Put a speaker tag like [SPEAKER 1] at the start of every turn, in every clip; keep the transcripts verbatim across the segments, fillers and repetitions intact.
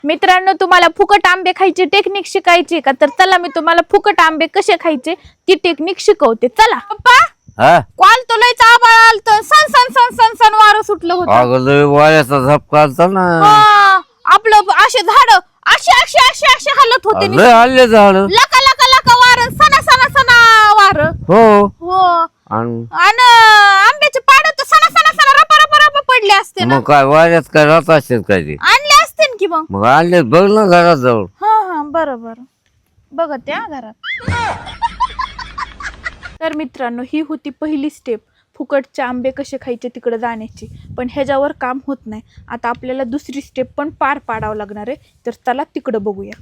[SPEAKER 1] मित्रांनो, तुम्हाला फुकट आंबे खायची टेक्निक शिकायची का? तर चला मी तुम्हाला फुकट आंबे कसे खायचे ती टेक्निक शिकवते. चला पप्पा.
[SPEAKER 2] हा
[SPEAKER 1] कॉल तो लयच आबाळ आलत, सन सन सन सन सन वारं सुटलं होतं.
[SPEAKER 2] अगं लय वाऱ्याचा झपका आलता ना.
[SPEAKER 1] हा, आपलं असे झाड असे असे असे असे हलत होते.
[SPEAKER 2] लय आले झाड.
[SPEAKER 1] लका लका लका वारं, सना सना सना वारं.
[SPEAKER 2] हो
[SPEAKER 1] हो.
[SPEAKER 2] आणि
[SPEAKER 1] आणि आंब्याचे पाड तर सना सना सना रपा रपा रपा पडले असते ना.
[SPEAKER 2] मग काय वाऱ्यात काय राहत असेल काय ते.
[SPEAKER 1] आणले असते की मग.
[SPEAKER 2] मग आणले बघ ना घरात जाऊन.
[SPEAKER 1] हा हा बरोबर बघत त्या घरात. तर मित्रांनो, ही होती पहिली स्टेप फुकटचे आंबे कसे खायचे तिकडे जाण्याची. पण ह्याच्यावर काम होत नाही. आता आपल्याला दुसरी स्टेप पण पार पाडावं लागणार आहे. तर चला तिकडं बघूया.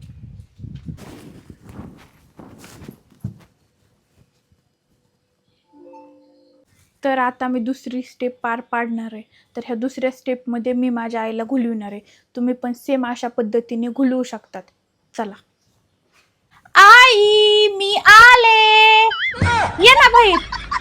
[SPEAKER 1] तर आता मी दुसरी स्टेप पार पाडणार आहे. तर ह्या दुसऱ्या स्टेपमध्ये मी माझ्या आईला घुलविणार आहे. तुम्ही पण सेम अशा पद्धतीने घुलवू शकतात. चला. आई मी आले. ये ना भाई,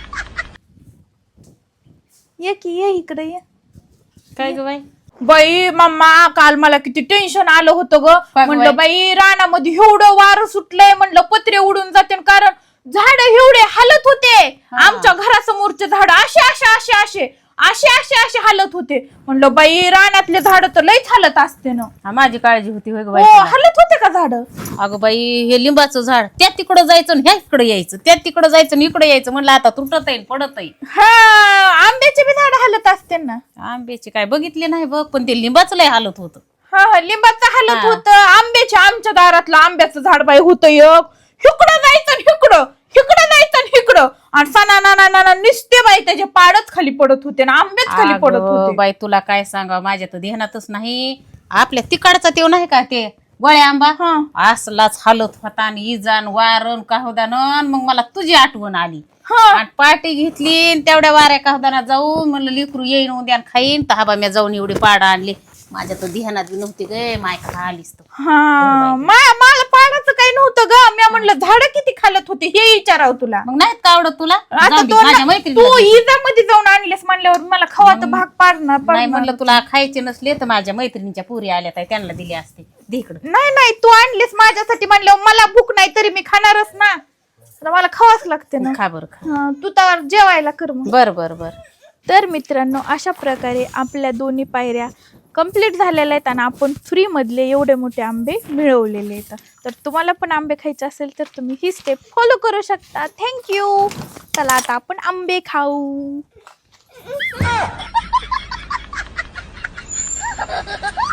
[SPEAKER 1] ये की ये इकडे ये.
[SPEAKER 3] काय ग बाई?
[SPEAKER 1] बाई मम्मा, काल मला किती टेन्शन आलं होतं ग. म्हणलं बाई रानामध्ये एवढं वारं सुटलंय, म्हणलं पत्रे उडून जाते. कारण झाड एवढे हालत होते. आमच्या घरासमोरचे झाड असे असे असे असे असे असे असे हालत होते. म्हणलं बाई रानातले झाड तर लईच हालत असते ना.
[SPEAKER 3] हा, माझी काळजी होती होय ग बाई.
[SPEAKER 1] हो, हालत होते का झाड?
[SPEAKER 3] अगं बाई, हे लिंबाचं झाड त्या तिकडं जायचं आणि ह्या इकडे यायचं, त्या तिकडं जायचं आणि इकडे यायचं. म्हणलं आता तुटत येईल पडत येईल.
[SPEAKER 1] हा, आंब्याचे बी झाड हालत असते ना.
[SPEAKER 3] आंब्याची काय बघितले नाही बघ, पण ते लिंबाचं लय हालत होतं.
[SPEAKER 1] हा हा, लिंबाचं हालत होतं. आंब्याच्या आमच्या दारातलं आंब्याचं झाड बाई होतं एक. हिकडं जायचं आणि हिकडं, हिकडं जायचं आणि हिकडं. आणि सना ना ना ना निसते बाई त्याचे पाडच खाली पडत होते ना, आंबेच खाली पडत होते.
[SPEAKER 3] बाई तुला काय सांगा, माझ्या तर ध्यानातच नाही. आपल्या तिकडचा तेव नाही का ते गोळ्या आंबा, असलाच हालत होता. आणि इजान वारण काहुदान. मग मला तुझी आठवण आली. आणि पार्टी घेतली तेवढ्या वाऱ्या काहुदाना जाऊन म्हणलं लिकरू येईन उद्या खाईन. तर हा मी जाऊन एवढी पाड आणली. माझ्या तर ध्यानात बी नव्हती गे, माय खा आलीस तर.
[SPEAKER 1] हा, मला पाडाचं काही नव्हतं ग. मी म्हणलं झाड किती खालत होते हे विचारावं तुला.
[SPEAKER 3] मग नाहीत का आवडत तुला?
[SPEAKER 1] आता
[SPEAKER 3] जाऊ दे,
[SPEAKER 1] तो
[SPEAKER 3] माझ्या
[SPEAKER 1] ना-
[SPEAKER 3] मैत्रिणीला
[SPEAKER 1] तू
[SPEAKER 3] दे.
[SPEAKER 1] इजामध्ये जाऊन आणलेस म्हणल्यावर मला खवा तर भाग पाडणार
[SPEAKER 3] नाही
[SPEAKER 1] पडणार.
[SPEAKER 3] म्हणलं तुला खायचे नसले तर माझ्या मैत्रिणीच्या पुरी आल्या तर त्यांना दिले असते. दे इकडं.
[SPEAKER 1] नाही नाही, तू आणलीस माझ्यासाठी म्हणल्यावर मला भूक नाही तरी मी खाणारच ना. आता मला खावाच लागते ना.
[SPEAKER 3] खा बरं खा.
[SPEAKER 1] हा, तू तर जेवायला कर मग.
[SPEAKER 3] बर बर बर.
[SPEAKER 1] तर मित्रांनो, अशा प्रकारे आपल्या दोन्ही पायऱ्या कंप्लीट झालेल्या आहेत आणि आपण फ्रीमधले एवढे मोठे आंबे मिळवलेले आहेत. तर तुम्हाला पण आंबे खायचे असेल तर तुम्ही ही स्टेप फॉलो करू शकता. थँक्यू. चला आता आपण आंबे खाऊ.